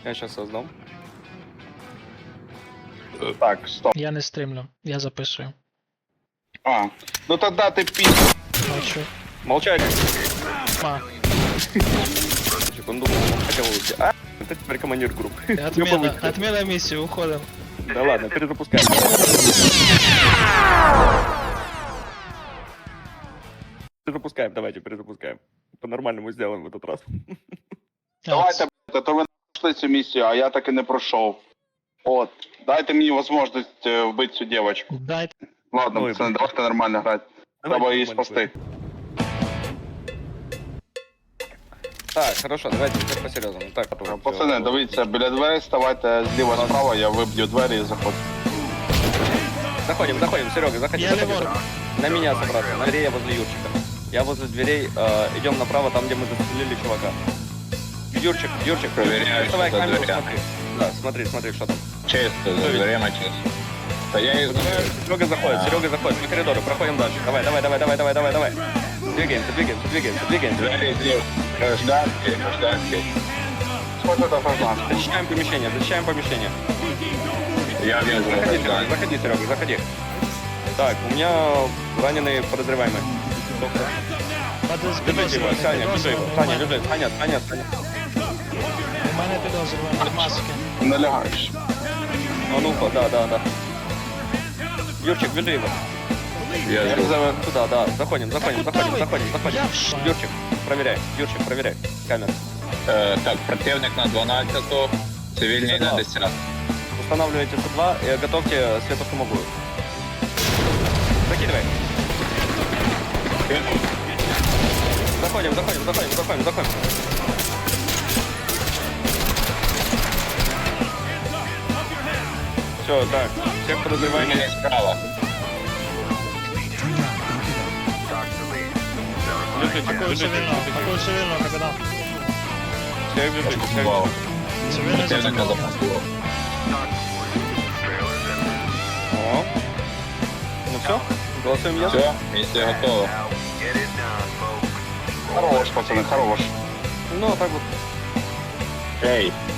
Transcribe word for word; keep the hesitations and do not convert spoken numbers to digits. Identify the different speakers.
Speaker 1: Я сейчас создам.
Speaker 2: Так, стоп.
Speaker 3: Я не стримлю, я записую.
Speaker 2: А, ну тогда ты пи***.
Speaker 3: Бачу.
Speaker 1: Молчать.
Speaker 3: А,
Speaker 1: Он думал, он хотел уйти. А, это теперь командир группы.
Speaker 3: отмена, отмена миссии, уходим.
Speaker 1: Да ладно, перезапускаем. Перезапускаем, давайте перезапускаем. По-нормальному сделаем в этот раз.
Speaker 2: Давайте, блядь, а то ви пройшли цю місію, а я так і не пройшов. От, дайте мені можливість е, вбити цю дівчинку.
Speaker 3: Дайте.
Speaker 2: Ладно,
Speaker 1: Ой,
Speaker 2: пацани,
Speaker 1: блядь.
Speaker 2: давайте нормально грати. Треба її спасти.
Speaker 1: Так, хорошо, давайте теперь по-серьезному. Так, потом.
Speaker 2: Пацани, дивіться, біля дверей ставайте зліва-справа, я виб'ю двері і заходжу.
Speaker 1: Заходим, заходим, Серега, заходи.
Speaker 3: Я
Speaker 1: заходи.
Speaker 3: леворуч.
Speaker 1: На меня собраться, на дверей я возле Юрчика. Я возле дверей, э, идем направо, там, где мы застрелили чувака. Юрчик, Юрчик,
Speaker 4: Проверяю,
Speaker 1: доставай
Speaker 4: что за
Speaker 1: камеру,
Speaker 4: дверями.
Speaker 1: смотри. Да, смотри, смотри, что там.
Speaker 4: Чисто, за дверима чисто. Та я їх знаю.
Speaker 1: Серега заходит, Серега заходит, по коридору, проходим дальше. Давай, давай, давай, давай, давай, давай, давай. Двигаемся, двигаемся, двигаемся, двигаемся.
Speaker 4: Двері зліва. Гражданські, гражданські.
Speaker 2: Сколько это гражданство?
Speaker 1: Защищаем помещение, защищаем помещение.
Speaker 4: Я вижу
Speaker 1: Заходи, Серега,
Speaker 4: гражданські.
Speaker 1: заходи, Серега, заходи. Так, у меня раненый подозреваемый. Держите его, Саня, держи его. Саня, держи, Саня, Саня, Саня.
Speaker 3: У мене підозрювані маски.
Speaker 2: Не лягаєш.
Speaker 1: А ну-ка, да, да, да. Юрчик, держи его.
Speaker 4: Я
Speaker 2: Як
Speaker 4: жду.
Speaker 2: за...
Speaker 1: Туда, да, заходим, заходим,
Speaker 3: Так куда
Speaker 1: заходим,
Speaker 3: вы?
Speaker 1: заходим, заходим.
Speaker 3: Я в ш-
Speaker 1: Юрчик, проверяй, Юрчик, проверяй. Камера.
Speaker 4: Е, Так, противник на дванадцяту, цивільний на десяту.
Speaker 1: Устанавливайте С два и готовьте светошумовую. Закидывай. Заходим, заходим, заходим, заходим, заходим. Все, так, всех подозреваемых.
Speaker 4: Цивільний справа.
Speaker 1: Бежите,
Speaker 3: Такого
Speaker 1: бежите,
Speaker 3: цивільного,
Speaker 1: бежите.
Speaker 3: такого цивільного, капітан.
Speaker 1: Всех бежите, всех
Speaker 4: Вау.
Speaker 1: бежите.
Speaker 3: Цивільний
Speaker 4: Противника
Speaker 3: зацепив.
Speaker 4: запустило.
Speaker 1: О. Ну все, голосуем я.
Speaker 4: Все, місія готова.
Speaker 2: Хорош, пацани, хорош.
Speaker 1: Ну, а так вот.
Speaker 4: Ей,